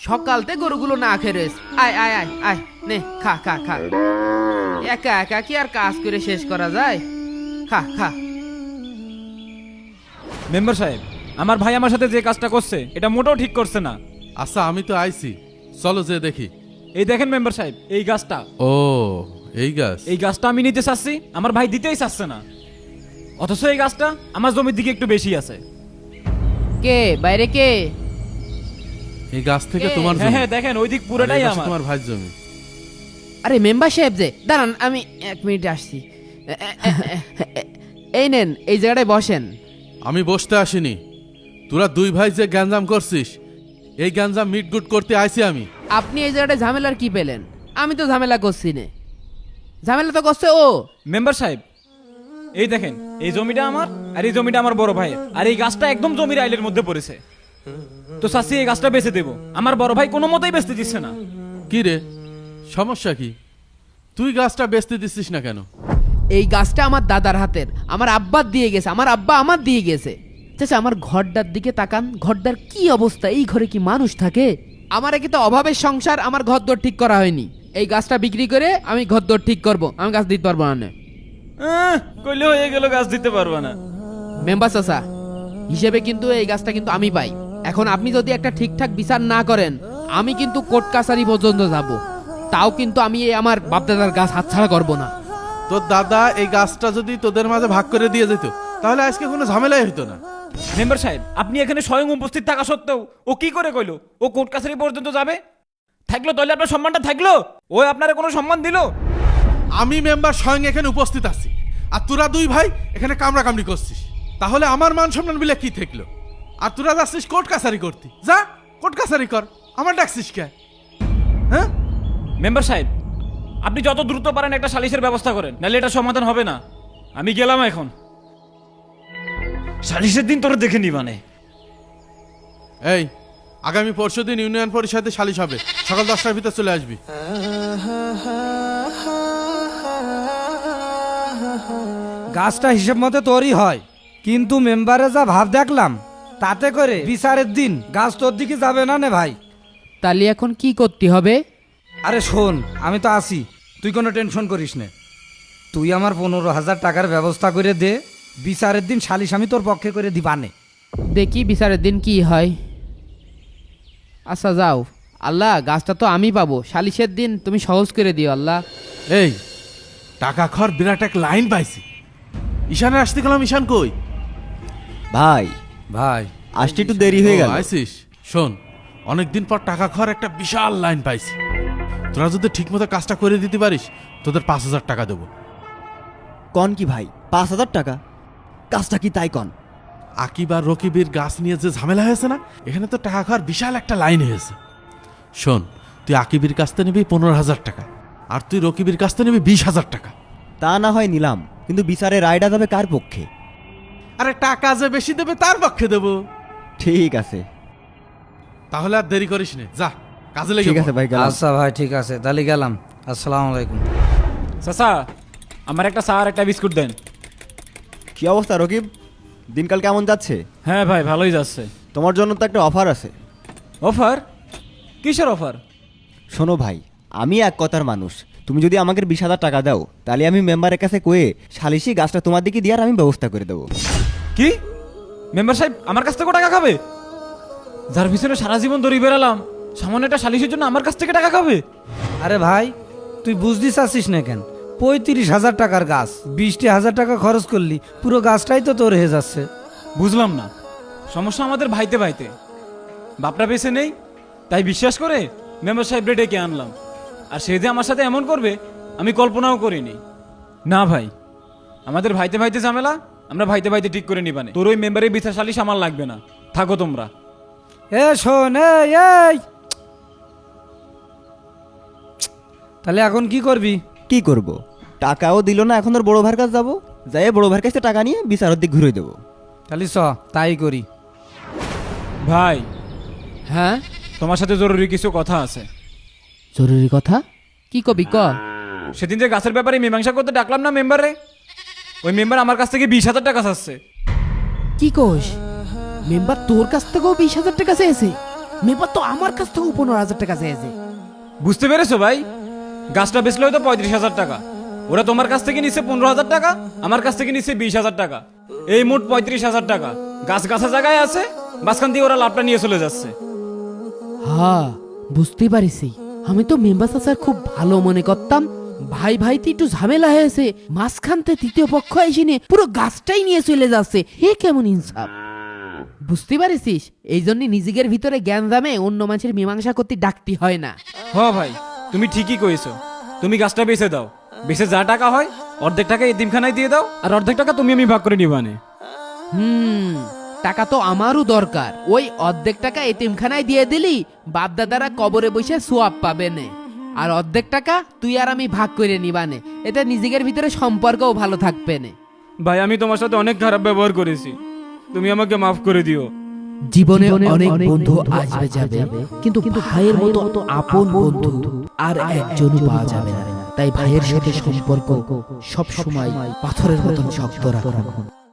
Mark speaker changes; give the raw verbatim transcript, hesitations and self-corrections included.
Speaker 1: সকালতে গরুগুলো না খেয়ে রয়েছে। আয় আয় আয় আয়, নে খা খা খা। একা একা কি আর কাজ করে শেষ করা যায়? খা খা।
Speaker 2: মেম্বার সাহেব, আমার ভাই আমার সাথে যে কাজটা করছে এটা মোটেও ঠিক করছে না।
Speaker 3: আচ্ছা আমি তো আইছি, চলো যে দেখি।
Speaker 2: এই দেখেন মেম্বার সাহেব, এই গাছটা,
Speaker 3: ও এই গাছ।
Speaker 2: এই গাছটা আমি নিতে চাচ্ছি, আমার ভাই দিতেই চাচ্ছে না। অথচ এই গাছটা আমার জমির দিকে একটু বেশি আছে।
Speaker 1: কে বাইরে কে?
Speaker 3: এই গাছ থেকে
Speaker 1: এ,
Speaker 3: তোমার
Speaker 2: হ্যাঁ
Speaker 3: জমি।
Speaker 2: হ্যাঁ দেখেন, ওই দিক
Speaker 3: আর
Speaker 2: পুরোটাই
Speaker 3: এই পাশে
Speaker 2: আমার।
Speaker 3: তোমার ভাইয়ের জমি।
Speaker 1: আরে মেম্বার সাহেব যে, দাঁড়ান আমি এক মিনিট আসছি। এ, এ, এ, এ, এ, এই নেন, এই জায়গাটায় বসেন।
Speaker 3: আমি বসতে আসিনি, তোরা দুই ভাই যে গ্যাঞ্জাম করছিস, এই গ্যাঞ্জাম মিটগুট করতে আইছি আমি।
Speaker 1: আপনি এই জায়গাটায় ঝামেলার কি পেলেন? আমি তো ঝামেলা করছি না, ঝামেলা তো করছে ও।
Speaker 2: মেম্বার সাহেব, এই দেখেন, এই জমিটা আমার আর এই জমিটা আমার বড় ভাইয়ের, আর এই গাছটা একদম জমির আইলের মধ্যে পড়েছে। তো চাচি এই গাছটা বেচে দেবো, আমার বড় ভাই কোনো মতেই বেচতে দিচ্ছে না।
Speaker 3: কি রে, সমস্যা কি? তুই গাছটা বেচতে দিচ্ছিস না কেন?
Speaker 1: এই গাছটা আমার দাদার হাতের, আমার আব্বার দিয়ে গেছে, আমার আব্বা আমার দিয়ে গেছে। চাচা আমার ঘরটার দিকে তাকান, ঘরটার কি অবস্থা? এই ঘরে কি মানুষ থাকে? আমার একে তো অভাবের সংসার, আমার ঘর দর ঠিক করা হয়নি। এই গাছটা বিক্রি করে আমি ঘর দর ঠিক করব, আমি গাছ দিতে পারবো না।
Speaker 2: আহ, কইলে হয়ে গেল, গাছ দিতে পারবো না।
Speaker 1: মেম্বার চাচা হিসেবে কিন্তু এই গাছটা কিন্তু আমি পাই। এখন আপনি যদি একটা ঠিকঠাক বিচার না করেন, আমি কিন্তু কোর্ট কাছারি পর্যন্ত যাব। তাও কিন্তু আমি এই আমার বাপদাদার গাছ হাতছাড়া করব না।
Speaker 3: তোর দাদা এই গাছটা যদি তোদের মাঝে ভাগ করে দিয়ে যেত, তাহলে আজকে কোনো ঝামেলাই হতো না।
Speaker 2: মেম্বার সাহেব, আপনি এখানে স্বয়ং উপস্থিত থাকা সত্ত্বেও ও কি করে কইলো ও কোর্ট কাছারি পর্যন্ত যাবে? থাকলো তাহলে আপনার সম্মানটা থাকলো? ও আপনারা কোনো সম্মান দিল?
Speaker 3: আমি মেম্বার স্বয়ং এখানে উপস্থিত আছি, আর তোরা দুই ভাই এখানে কামড়া কামড়ি করছিস, তাহলে আমার মান সম্মান বিলে কি থাকলো? আর তোরা যাচ্ছিস কোর্ট কাছারি করতি, যা কোর্ট কাছারি কর, আমার ডাকছিস কে? হ্যাঁ
Speaker 2: মেম্বার সাহেব, আপনি যত দ্রুত পারেন একটা সালিশের ব্যবস্থা করেন, নাহলে এটা সমাধান হবে না। আমি গেলাম এখন, সালিশের দিন তোরা দেখে নি মানে।
Speaker 3: এই আগামী পরশু দিন ইউনিয়ন পরিষদে সালিশ হবে, সকাল দশটার ভিতর চলে আসবি।
Speaker 4: গাছটা হিসেব মতো তোরই হয়, কিন্তু মেম্বারে যা ভাব দেখলাম, তাতে করে বিচারের দিন গাছ তোর দিকে যাবে না নে ভাই।
Speaker 1: তাহলে এখন কি করতে হবে?
Speaker 4: আরে শোন, আমি তো আছি, তুই কোনো টেনশন করিস নে। তুই আমার পনেরো হাজার টাকার ব্যবস্থা করে দে, বিচারের দিন সালিশ আমি তোর পক্ষে করে দিবানে।
Speaker 1: দেখি বিচারের দিন কি হয়। আচ্ছা যাও, আল্লাহ গাছটা তো আমি পাবো, সালিশের দিন তুমি সহজ করে দিও আল্লাহ।
Speaker 3: এই টাকা খর বিরাট এক লাইন পাইছি। ঈশানে আসতে গেলাম, ঈশান কই?
Speaker 5: ভাই
Speaker 3: ভাই
Speaker 5: আসতে একটু দেরি হয়ে গেল।
Speaker 3: ও, আইসিস? শোন, অনেকদিন পর টাকা খর একটা বিশাল লাইন পাইছি। তোরা যদি ঠিক মতো কাজটা করে দিতে পারিস, তোদের পাঁচ হাজার টাকা দেবো।
Speaker 5: কন কি ভাই, পাঁচ হাজার টাকা? কাজটা কি তাই কন?
Speaker 3: আকিব আর রকিবের গাছ নিয়ে যে ঝামেলা হয়েছে না, এখানে তো টাকা খাওয়ার বিশাল একটা লাইন হয়েছে। শোন, তুই আকিবের কাছ থেকে নিবি পনেরো হাজার টাকা, আর তুই রকিবের কাছ থেকে নিবি বিশ হাজার টাকা।
Speaker 5: তা না হয় নিলাম, কিন্তু বিচারে রায়টা যাবে কার পক্ষে?
Speaker 3: আরে টাকা যে বেশি দেবে তার পক্ষে দেবো।
Speaker 5: ঠিক আছে
Speaker 3: তাহলে আর দেরি করিস নে, যা কাজে লেগে
Speaker 5: ঠিক
Speaker 3: পড়।
Speaker 5: আছে ভাই, গেলাম।
Speaker 4: আচ্ছা ভাই, ঠিক আছে, তাহলে গেলাম। আসসালামু আলাইকুম।
Speaker 2: চাচা, আমার একটা চা আর একটা বিস্কুট দেন।
Speaker 5: কি অবস্থা রকিব, দিনকাল কেমন যাচ্ছে?
Speaker 2: হ্যাঁ ভাই, ভালোই যাচ্ছে।
Speaker 5: তোমার জন্য তো একটা অফার আছে।
Speaker 2: অফার? কিসের অফার?
Speaker 5: শোনো ভাই, আমি এক কথার মানুষ, তুমি যদি আমাকে বিশ হাজার টাকা দাও, তাহলে আমি মেম্বারের কাছে কয়ে সালিশি গাছটা তোমার দিকে দিয়ে আর আমি ব্যবস্থা করে দেবো।
Speaker 2: কি? মেম্বার সাহেব আমার কাছ থেকে টাকা খাবে? যার পিছনে সারা জীবন দড়ি বেড়ালাম, সামান্য একটা সালিশের জন্য আমার কাছ থেকে টাকা খাবে?
Speaker 4: আরে ভাই, তুই বুঝতে চাচ্ছিস না কেন? পঁয়ত্রিশ হাজার টাকার গাছ, বিশটি হাজার টাকা খরচ করলি, পুরো গাছটাই তো তোর হয়ে যাচ্ছে।
Speaker 2: বুঝলাম না, সমস্যা আমাদের ভাইতে ভাইতে, বাপটা বেঁচে নেই, তাই বিশ্বাস করে মেম্বার সাহেব ডেকে আনলাম, আর সে যে আমার সাথে এমন করবে আমি কল্পনাও করিনি। না ভাই, আমাদের ভাইতে ভাইতে ঝামেলা আমরা ভাইতে ভাইতে ঠিক করে নিবানে। তোর ওই মেম্বারের বিচার সালিশ আমার লাগবে না, থাকো তোমরা।
Speaker 4: এ শোন, এই এই, তাহলে এখন কি করবি?
Speaker 5: কি করব? টাকাও দিল না, এখন ওর বড় ভাইয়ের কাছে যাবো, যাই বড় ভাইয়ের কাছে টাকা নিয়ে বিচারের দিক ঘুরে দেবো।
Speaker 4: তাহলে চ তাই করি।
Speaker 2: ভাই,
Speaker 1: হ্যাঁ
Speaker 2: তোমার সাথে জরুরি কিছু কথা আছে।
Speaker 1: জরুরি কথা? কি কবি ক?
Speaker 2: সেদিন যে গাছের ব্যাপারে মীমাংসা করতে ডাকলাম না মেম্বারে, ওই মেম্বার আমার কাছ থেকে বিশ হাজার টাকা চাচ্ছে।
Speaker 1: কি কোষ? মেম্বার তোর কাছ থেকেও বিশ হাজার টাকা চেয়েছে? মেম্বার তো আমার কাছ থেকে পনেরো হাজার টাকা চেয়েছে।
Speaker 2: বুঝতে পেরেছো ভাই, গাছটা বেচলে হয়তো পঁয়ত্রিশ হাজার টাকা, ওরা তোমার কাছ থেকে নিচ্ছে পনেরো হাজার টাকা, আমার কাছ থেকে নিচ্ছে বিশ হাজার টাকা, এই মোট পঁয়ত্রিশ হাজার টাকা গাছ গাছা জায়গায় আছে, মাঝখান দিয়ে ওরা লাভটা নিয়ে চলে যাচ্ছে।
Speaker 1: হ্যাঁ বুঝতে পারিছি, আমি তো মেম্বার চাচার খুব ভালো মনে করতাম, ভাই ভাইতে একটু ঝামেলা হয়েছে, মাঝখানতে তৃতীয় পক্ষ এসে নিয়ে পুরো গাছটাই নিয়ে চলে যাচ্ছে, হে কেমন ইনসাফ। বুঝতে পারিস, এই জন্য নিজেদের ভিতরে জ্ঞান জামে অন্য মানুষের মীমাংসা করতে ডাকতে হয় না।
Speaker 2: হ ভাই, তুমি ঠিকই কইছো, তুমি গাছটা বেচে দাও, বেচে যা টাকা হয় অর্ধেক টাকা এতিমখানায় দিয়ে দাও, আর অর্ধেক টাকা তুমি আমি ভাগ করে নিবানে।
Speaker 1: হুম, টাকা তো আমারও দরকার, ওই অর্ধেক টাকা এতিমখানায় দিয়ে দিলি বাপ দাদারা কবরে বসে সোয়াব পাবে না, আর অর্ধেক টাকা তুই আর আমি ভাগ করে নিবানে, এটা নিজেদের ভিতরে সম্পর্কও ভালো থাকবে না।
Speaker 2: ভাই আমি তোমার সাথে অনেক খারাপ ব্যবহার করেছি, তুমি আমাকে মাফ করে দিও।
Speaker 1: জীবনে অনেক বন্ধু আসবে যাবে, কিন্তু ভাইয়ের মতো আপন বন্ধু আর একজনও পাওয়া যাবে না। তাই ভাইয়ের সাথে সম্পর্ক সব সময় পাথরের মতন শক্ত রাখুন।